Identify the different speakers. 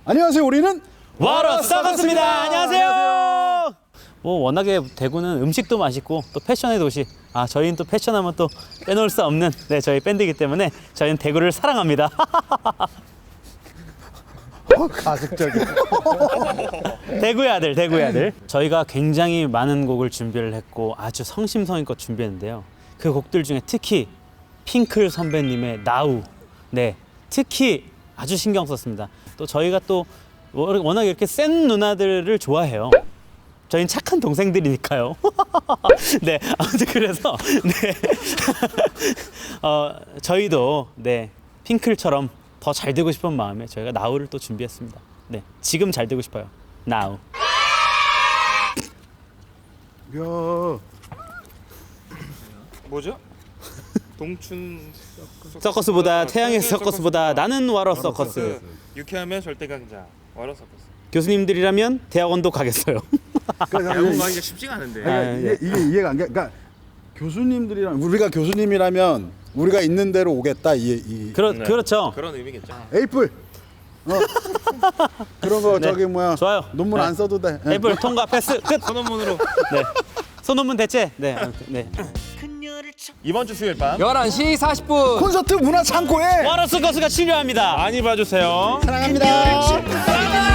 Speaker 1: 안녕하세요. 우리는
Speaker 2: 와러 서커스입니다. 안녕하세요. 뭐 워낙에 대구는 음식도 맛있고 또 패션의 도시. 저희는 또 패션하면 또 빼놓을 수 없는 저희 밴드이기 때문에 저희는 대구를 사랑합니다.
Speaker 1: 가식적인.
Speaker 2: 대구의 아들, 대구의 아들. 저희가 굉장히 많은 곡을 준비를 했고 아주 성심성의껏 준비했는데요. 그 곡들 중에 특히 핑클 선배님의 나우, 특히 아주 신경 썼습니다. 또 저희가 또 워낙 이렇게 센 누나들을 좋아해요. 저희는 착한 동생들이니까요. 아무튼 그래서 저희도 핑클처럼 더 잘 되고 싶은 마음에 저희가 나우를 또 준비했습니다. 지금 잘 되고 싶어요. 나우.
Speaker 1: 야,
Speaker 3: 뭐죠? 동춘
Speaker 2: 서커스보다 태양의 서커스보다 나는 와러 서커스.
Speaker 3: 유쾌하면 절대 강자 와러 서커스.
Speaker 2: 교수님들이라면 대학원도 가겠어요.
Speaker 3: 대학원 가기가 쉽지가 않은데.
Speaker 1: 이게 이해가 안 가. 그러니까 교수님들이랑 우리가 교수님이라면 우리가 있는 대로 오겠다.
Speaker 2: 그렇죠.
Speaker 3: 그런 의미겠죠.
Speaker 1: 에이플. 그런 거 저기 뭐야.
Speaker 2: 좋아요.
Speaker 1: 논문 안 써도 돼.
Speaker 2: 애플 통과 패스 끝.
Speaker 3: 선언문으로.
Speaker 2: 소논문 대체. 아무튼,
Speaker 3: 이번 주 수요일 밤
Speaker 4: 11시 40분
Speaker 1: 콘서트 문화 창고에
Speaker 2: 와러 서커스가 치료합니다.
Speaker 3: 많이 봐주세요.
Speaker 1: 사랑합니다.